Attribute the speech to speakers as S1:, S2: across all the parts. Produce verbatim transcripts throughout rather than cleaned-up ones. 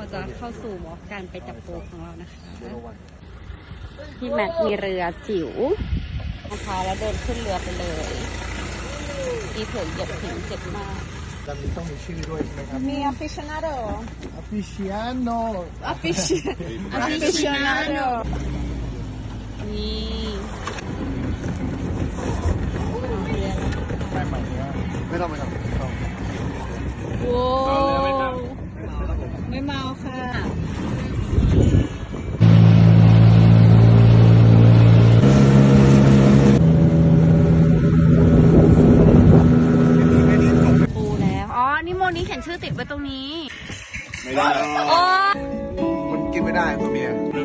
S1: จะเข้าสู่วอล์กการไปจับปูของเรานะคะพี่แม็กมีเรือจิ๋วนะคะแล้วเดินขึ้นเรือไปเลยอีเผือกเหยียบหินเจ็บมาก
S2: ลำนี้ต้องมีชื่อด้วยใช่ไหมครับ
S3: มี aficionado
S2: Aficionado
S3: aficionado
S1: นี่
S2: ไม่ใหม่เนี่ยไม่ต้องไม่ต้องไม่ต้อง
S1: โว้ว
S3: ไม่เมาค่ะ
S1: ปูแล้ว อ๋อ นี่โมนี้เขียนชื่อติดไว้ตรงนี้
S2: ไม่ได้
S1: โอ้
S2: มันกินไม่ได้ตัวเมีย
S1: ปู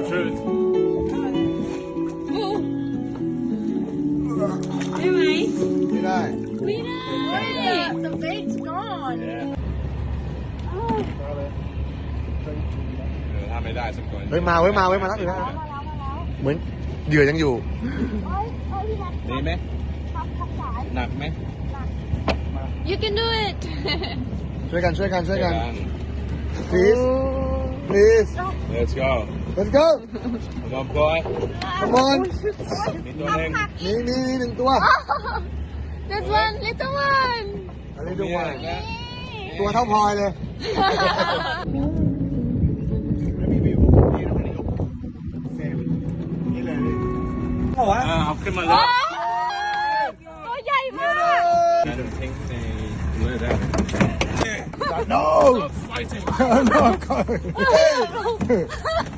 S1: ได้ไหม
S2: ไม่ได้
S1: ไม่ได้
S3: the bait's gone
S4: ถ้าไม่ได้สักตัว
S2: เฮ้ยมาเว้ยมาเว้ยมาแล้วเหมือนเหยื่อยังอยู่
S4: ดีไหมหนักไหม
S1: you can do it
S2: ช่วยกันช่วยกันช่วยกัน please please
S4: Let's go
S2: let's go
S4: Come on boy
S2: come on
S4: มีตัวหนึ่ง
S2: นี่นี่นี่หนึ่งตัว
S1: this one little one
S2: อะไรดูว่าตัวเท่าพลอยเลยบอกว่า
S4: อ่าเอาขึ้นมาเลย
S1: ตัวใหญ่มาก
S4: น่าจะทิ้งในเรือได้
S2: no
S4: fighting
S2: no